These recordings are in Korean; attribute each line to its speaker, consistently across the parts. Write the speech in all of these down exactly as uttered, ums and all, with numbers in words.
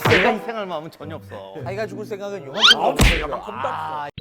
Speaker 1: 자기가 희생할 마음은 전혀 없어.
Speaker 2: 자기가 죽을 생각은
Speaker 3: 아,
Speaker 2: 요만큼 없어요.
Speaker 3: 요만큼도 없어.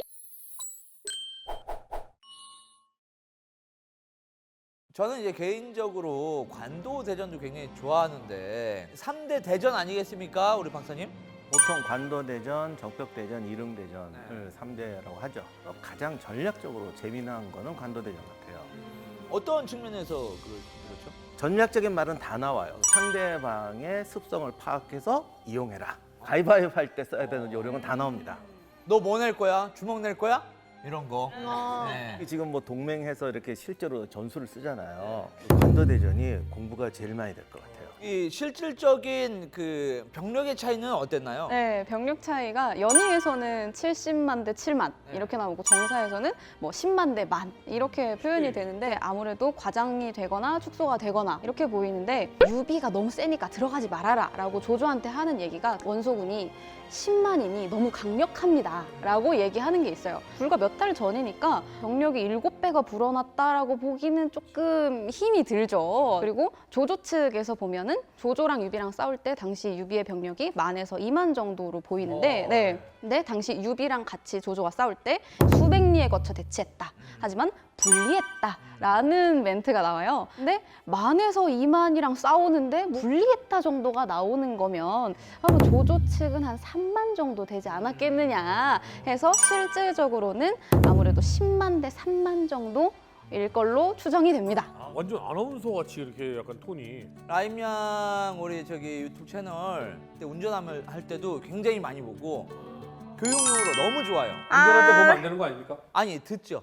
Speaker 2: 저는 이제 개인적으로 관도 대전도 굉장히 좋아하는데 삼 대 대전 아니겠습니까, 우리 박사님?
Speaker 1: 보통 관도대전, 적벽대전, 이릉대전을
Speaker 2: 네.
Speaker 1: 삼 대라고 하죠. 어, 가장 전략적으로 재미난 거는 관도대전 같아요.
Speaker 2: 어떤 측면에서 그, 그렇죠?
Speaker 1: 전략적인 말은 다 나와요. 상대방의 습성을 파악해서 이용해라. 가위바위보 할 때 써야 되는 요령은 다 나옵니다.
Speaker 2: 너 뭐 낼 거야? 주먹 낼 거야? 이런 거.
Speaker 4: 아.
Speaker 2: 네.
Speaker 1: 지금 뭐 동맹해서 이렇게 실제로 전술을 쓰잖아요. 관도대전이 공부가 제일 많이 될 것 같아요.
Speaker 2: 이 실질적인 그 병력의 차이는 어땠나요?
Speaker 4: 네, 병력 차이가 연의에서는 칠십만 대 칠만
Speaker 2: 네.
Speaker 4: 이렇게 나오고 정사에서는 뭐 십만 대 만 이렇게 표현이 되는데 아무래도 과장이 되거나 축소가 되거나 이렇게 보이는데 유비가 너무 세니까 들어가지 말아라 라고 조조한테 하는 얘기가 원소군이 십만이니 너무 강력합니다 라고 얘기하는 게 있어요. 불과 몇 달 전이니까 병력이 일곱 배가 불어났다라고 보기는 조금 힘이 들죠. 그리고 조조 측에서 보면은 조조랑 유비랑 싸울 때 당시 유비의 병력이 만에서 이만 정도로 보이는데
Speaker 2: 어.
Speaker 4: 네. 근데 당시 유비랑 같이 조조가 싸울 때 수백 리에 거쳐 대치했다. 하지만 불리했다라는 멘트가 나와요. 근데 만에서 이만이랑 싸우는데 불리했다 정도가 나오는 거면 아마 조조 측은 한 삼만 정도 되지 않았겠느냐 해서 실질적으로는 아무래도 십만 대 삼만 정도일 걸로 추정이 됩니다.
Speaker 3: 아, 완전 아나운서 같이 이렇게 약간 톤이.
Speaker 2: 라임양 우리 저기 유튜브 채널 때 운전함을 할 때도 굉장히 많이 보고 교육용으로 너무 좋아요.
Speaker 3: 운전할 때 보면 안 되는 거 아닙니까?
Speaker 2: 아니 듣죠.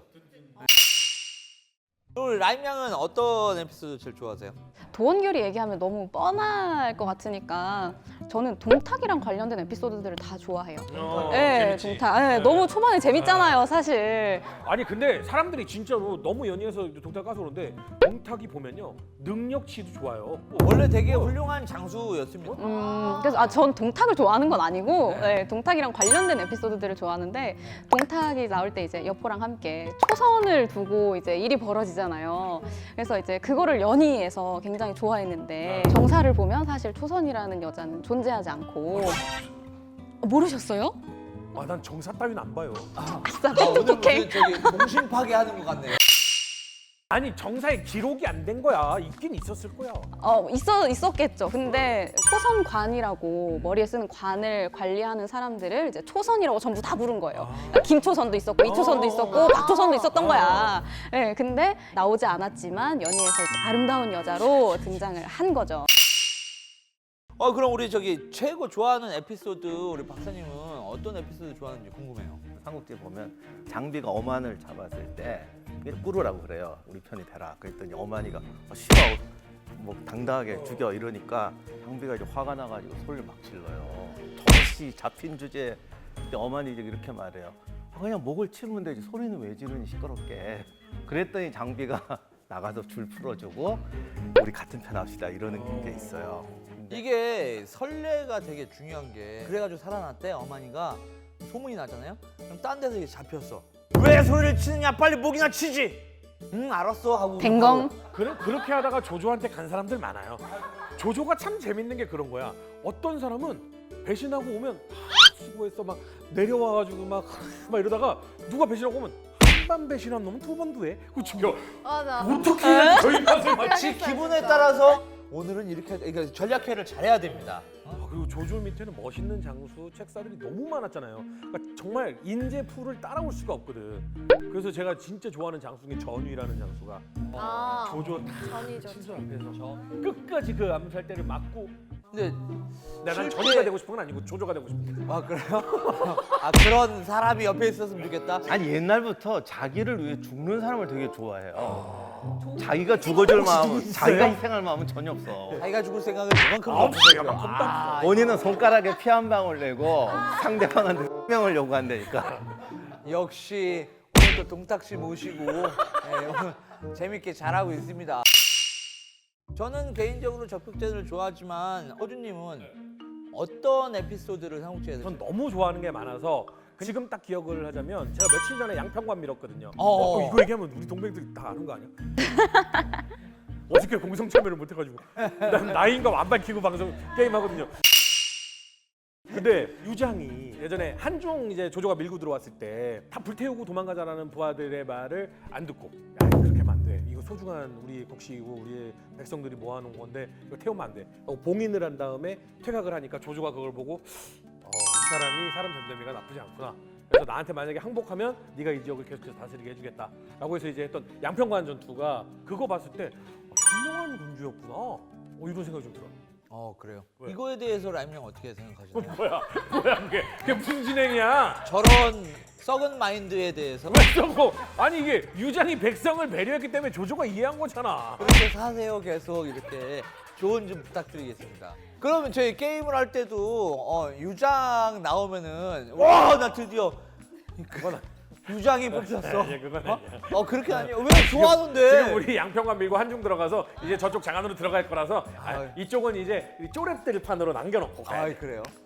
Speaker 2: 우리 라임양은 어떤 에피소드 제일 좋아하세요?
Speaker 4: 도원결이 얘기하면 너무 뻔할 것 같으니까 저는 동탁이랑 관련된 에피소드들을 다 좋아해요.
Speaker 3: 어,
Speaker 4: 네,
Speaker 3: 재밌지.
Speaker 4: 동탁. 네, 너무 초반에 재밌잖아요, 사실.
Speaker 3: 아니 근데 사람들이 진짜로 너무 연이어서 동탁 가서 그런데 동탁이 보면요 능력치도 좋아요.
Speaker 2: 원래 되게 훌륭한 장수였습니다.
Speaker 4: 음, 그래서 아, 전 동탁을 좋아하는 건 아니고 네, 동탁이랑 관련된 에피소드들을 좋아하는데 동탁이 나올 때 이제 여포랑 함께 초선을 두고 이제 일이 벌어지잖아요. 그래서 이제 그거를 연희에서 굉장히 좋아했는데 정사를 보면 사실 초선이라는 여자는 존재하지 않고 어, 모르셨어요?
Speaker 3: 아 난 정사 따위는 안 봐요.
Speaker 4: 아싸,
Speaker 2: 아, 오늘
Speaker 4: 똑똑해.
Speaker 2: 무슨 저기 공신 파괴하는 것 같네요.
Speaker 3: 아니 정사에 기록이 안 된 거야. 있긴 있었을 거야.
Speaker 4: 어, 있어, 있었겠죠. 근데 초선관이라고 머리에 쓰는 관을 관리하는 사람들을 이제 초선이라고 전부 다 부른 거예요. 그러니까 김초선도 있었고, 이초선도 있었고, 박초선도 있었던 거야. 네, 근데 나오지 않았지만 연희에서 이제 아름다운 여자로 등장을 한 거죠.
Speaker 2: 어 그럼 우리 저기 최고 좋아하는 에피소드 우리 박사님은 어떤 에피소드 좋아하는지 궁금해요.
Speaker 1: 삼국지 보면 장비가 어만을 잡았을 때 꾸르라고 그래요. 우리 편이 되라. 그랬더니 어만이가 어, 싫어. 뭐 당당하게 죽여 이러니까 장비가 이제 화가 나가지고 소리를 막 질러요. 정시 잡힌 주제에 근데 어만이 이제 이렇게 말해요. 아, 그냥 목을 치면 되지 소리는 왜 지르니 시끄럽게. 그랬더니 장비가 나가서 줄 풀어주고 우리 같은 편 합시다 이러는 게 있어요. 근데
Speaker 2: 이게 설레가 되게 중요한 게 그래가지고 살아났대 어머니가 소문이 나잖아요. 그럼 딴 데서 이제 잡혔어. 왜 소리를 치느냐 빨리 목이나 치지. 응 알았어 하고
Speaker 4: 댕검.
Speaker 3: 그래, 그렇게 하다가 조조한테 간 사람들 많아요. 조조가 참 재밌는 게 그런 거야. 어떤 사람은 배신하고 오면 하, 수고했어 막 내려와가지고 막, 막 이러다가 누가 배신하고 오면 한 번 배신한 놈은 두 번도 해. 그 죽여.
Speaker 4: 맞아.
Speaker 3: 어떻게 해야지 저희 맛을 맞지?
Speaker 2: 지 기분에 따라서 오늘은 이렇게 그러니까 전략회를 잘해야 됩니다.
Speaker 3: 아, 그리고 조조 밑에는 멋있는 장수 책사들이 너무 많았잖아요. 그러니까 정말 인재 풀을 따라올 수가 없거든. 그래서 제가 진짜 좋아하는 장수 중에 전위라는 장수가
Speaker 5: 아,
Speaker 3: 조조 다
Speaker 5: 전이죠.
Speaker 3: 친절 앞에서 끝까지 그 암살대를 맞고
Speaker 2: 근데
Speaker 3: 내가 난
Speaker 2: 실제-
Speaker 3: 전위가 되고 싶은 건 아니고 조조가 되고 싶은 거야.
Speaker 2: 아 그래요? 아 그런 사람이 옆에 있었으면 좋겠다.
Speaker 1: 아니 옛날부터 자기를 위해 죽는 사람을 되게 좋아해요. 자기가 죽어줄 마음은 자기가 희생할 마음은 전혀 없어.
Speaker 2: 자기가 죽을 생각은 요만큼
Speaker 3: 아,
Speaker 2: 없어요.
Speaker 3: 요만큼도
Speaker 2: 아,
Speaker 1: 본인은 손가락에 피 한 방울 내고 상대방한테 명을 요구한다니까.
Speaker 2: 역시 오늘 또 동탁 씨 모시고 네, 오늘 재밌게 잘하고 있습니다. 저는 개인적으로 적극전을 좋아하지만 허준님은 어떤 에피소드를 삼국지에서
Speaker 3: 전 너무 좋아하는 게 많아서 지금 딱 기억을 하자면 제가 며칠 전에 양평관 밀었거든요.
Speaker 2: 어.
Speaker 3: 어, 이거 얘기하면 우리 동맹들이 다 아는 거 아니야? 어저께 공성 참여를 못 해가지고 난 나이인가 안 밝히고 방송 게임 하거든요. 근데 유장이 예전에 한중 이제 조조가 밀고 들어왔을 때 다 불태우고 도망가자라는 부하들의 말을 안 듣고 야 그렇게 하면 안 돼. 이거 소중한 우리 곡식이고 우리 백성들이 모아놓은 건데 이거 태우면 안 돼. 어, 봉인을 한 다음에 퇴각을 하니까 조조가 그걸 보고 어, 이 사람이 사람 전대미가 나쁘지 않구나. 그래서 나한테 만약에 항복하면 네가 이 지역을 계속해서 다스리게 해주겠다라고 해서 이제 했던 양평관 전투가 그거 봤을 때 어, 현명한 군주였구나. 어, 이런 생각이 좀 들어.
Speaker 2: 어 그래요.
Speaker 3: 왜?
Speaker 2: 이거에 대해서 라임형 어떻게 생각하시나요?
Speaker 3: 뭐야 뭐야 그게 그게 무슨 진행이야?
Speaker 2: 저런 썩은 마인드에 대해서
Speaker 3: 왜 저거? 아니 이게 유장이 백성을 배려했기 때문에 조조가 이해한 거잖아.
Speaker 2: 그렇게 사세요 계속 이렇게 조언 좀 부탁드리겠습니다. 그러면 저희 게임을 할 때도 어, 유장 나오면은 와 나 드디어
Speaker 3: 그건
Speaker 2: 유장이 뽑혔어.
Speaker 3: 예, 그건
Speaker 2: 어?
Speaker 3: 아니야.
Speaker 2: 어 그렇게 아니야. 왜 좋아하는데?
Speaker 3: 지금 우리 양평관 밀고 한중 들어가서 이제 저쪽 장안으로 들어갈 거라서 아,
Speaker 2: 아유.
Speaker 3: 이쪽은 이제 이 쪼랩들 판으로 남겨놓고 가야
Speaker 2: 아
Speaker 3: 돼.
Speaker 2: 그래요?